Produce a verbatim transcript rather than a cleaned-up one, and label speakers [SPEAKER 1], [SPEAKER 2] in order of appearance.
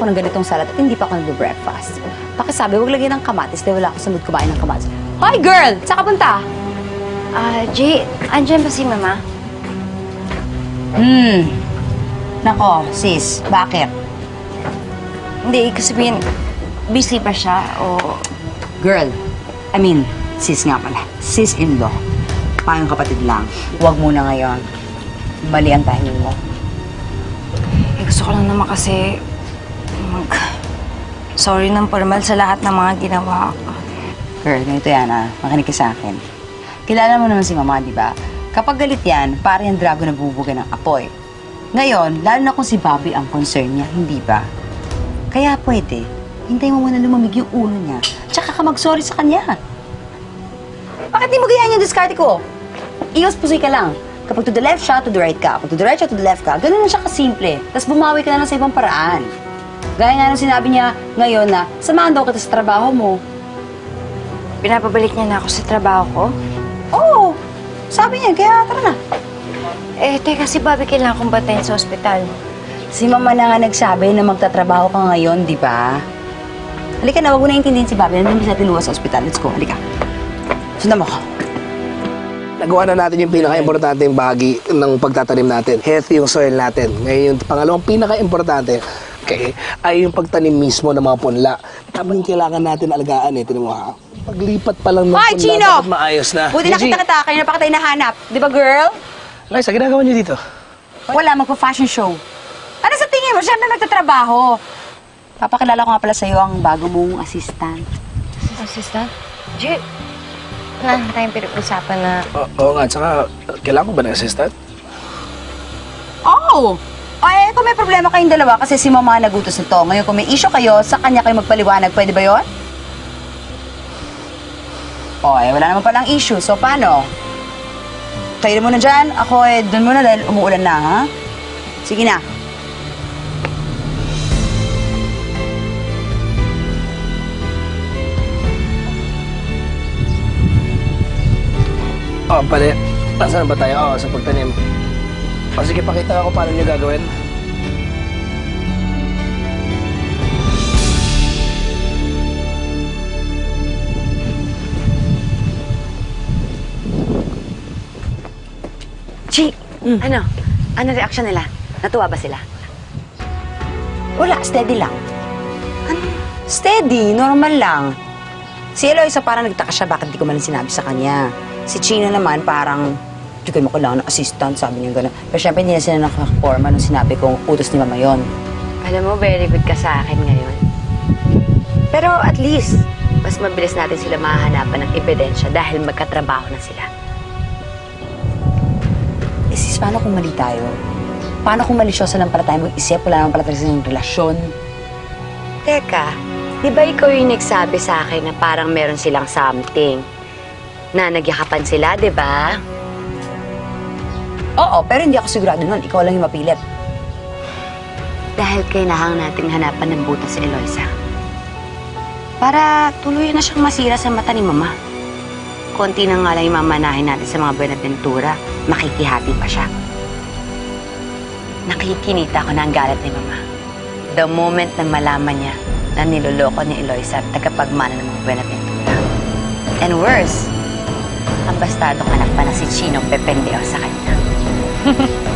[SPEAKER 1] ako ng ganitong salad at hindi pa ako nag-breakfast. Pakisabi, huwag lagyan ng kamatis dahil wala ako sa mood kumain ng kamatis. Hoy, girl! Saan ka punta?
[SPEAKER 2] Ah, Jay, andyan ba si Mama?
[SPEAKER 1] Hmm. Nako, sis, bakit?
[SPEAKER 2] Hindi, kasi sabihin, busy pa siya o...
[SPEAKER 1] Girl, I mean, sis nga pala. Sis-in-law. Payong kapatid lang. Huwag muna ngayon. Mali ang timing mo.
[SPEAKER 2] Eh, gusto ko lang naman kasi mag... Sorry ng formal sa lahat ng mga ginawa ko.
[SPEAKER 1] Girl, ganito yan ah. Makinig ka sa akin. Kilala mo naman si Mama, di ba? Kapag galit yan, para yung drago na bubuga ng apoy. Ngayon, lalo na kung si Bobby ang concern niya, hindi ba? Kaya pwede, hintay mo muna lumamig yung ulo niya, tsaka ka mag-sorry sa kanya. Bakit di mo gayaan yung diskarte ko? Iwas pusoy ka lang. Kapag to the left siya, to the right ka. Kapag to the right siya, to the left ka. Ganun lang siya kasimple. Tapos bumawi ka na lang sa ibang paraan. Gaya nga nung sinabi niya ngayon na, samahan daw kita sa trabaho mo.
[SPEAKER 2] Pinapabalik niya na ako sa trabaho ko?
[SPEAKER 1] Oo, sabi niya, kaya tara na.
[SPEAKER 2] Eh, teka, si Bobby kailangan kong batayin sa ospital.
[SPEAKER 1] Si Mama na nga nagsabi na magtatrabaho ka ngayon, di ba? Halika na, wag mo na intindihin si Bobby. Nandun sa tinuwa sa ospital. Let's go, halika. Sundan mo ko.
[SPEAKER 3] Nagawa na natin yung pinaka-importanteng bahagi ng pagtatanim natin. Healthy yung soil natin. Ngayon, yung pangalawang pinaka-importante okay, ay yung pagtanim mismo ng mga punla. Tamang kailangan natin alagaan eh. Tinan mo ha. Paglipat pa lang ng
[SPEAKER 1] Hoy,
[SPEAKER 3] punla,
[SPEAKER 1] Chino!
[SPEAKER 3] dapat maayos na.
[SPEAKER 1] Buti nakita kita, kayo na pa kita hinahanap. Di ba, girl?
[SPEAKER 3] Liza, ginagawa niyo dito?
[SPEAKER 1] Wala, magpa-fashion show. Ano sa tingin mo? Siyempre nagtatrabaho. Papakilala ko nga pala sa'yo ang bago mong assistant.
[SPEAKER 2] Assistant? Jay, wala na tayong pinag-usapan na...
[SPEAKER 3] Oo oo nga, tsaka kailangan ko ba ng assistant?
[SPEAKER 1] Oo! Oh! Ay, kung may problema kayong dalawa kasi si Mama nagutos nito. Ngayon, kung may issue kayo, sa kanya kayo magpaliwanag. Pwede ba yon? O, eh, wala naman palang issue. So, paano? Kayo muna dyan. Ako, eh, dun muna dahil umuulan na, ha? Sige na.
[SPEAKER 3] Oo, pala. Nasaan ba tayo? Oo, sa pagtanim. O sige, pakita ako paano niyo gagawin.
[SPEAKER 1] Chi, ano? Ano reaction nila? Natuwa ba sila? Wala, steady lang. Ano? Steady, normal lang. Si Eloisa parang nagtaka siya bakit di ko man sinabi sa kanya. Si Chino naman parang, di ko mo kailangan ng assistant, sabi niya gano'n. Pero syempre hindi na sila nakakorma nung sinabi kong utos ni Mama yon.
[SPEAKER 2] Alam mo, very good ka sa akin ngayon. Pero at least, mas mabilis natin sila mahahanapan ng ebidensya dahil magkatrabaho na sila.
[SPEAKER 1] Eh sis, paano kung mali tayo? Paano kung malisyosa lang pala tayo mag-isip? Wala naman pala tayo ng relasyon.
[SPEAKER 2] Teka, di ba ikaw yung nagsabi sa akin na parang meron silang something? Na nagyakapan sila, di ba?
[SPEAKER 1] Oo, pero hindi ako sigurado nun. Ikaw lang yung mapilit.
[SPEAKER 2] Dahil kailangan nating hanapan ng butas si Eloisa. Para tuloy na siyang masira sa mata ni Mama. Konti na nga lang yung mamanahin natin sa mga Buenaventura, makikihati pa siya. Nakikinita ko na ang galit ni Mama. The moment na malaman niya na niloloko ni Eloisa at tagapagmana ng mga Buenaventura. And worse, ang bastardong anak pa na si Chino pependeo sa kanya.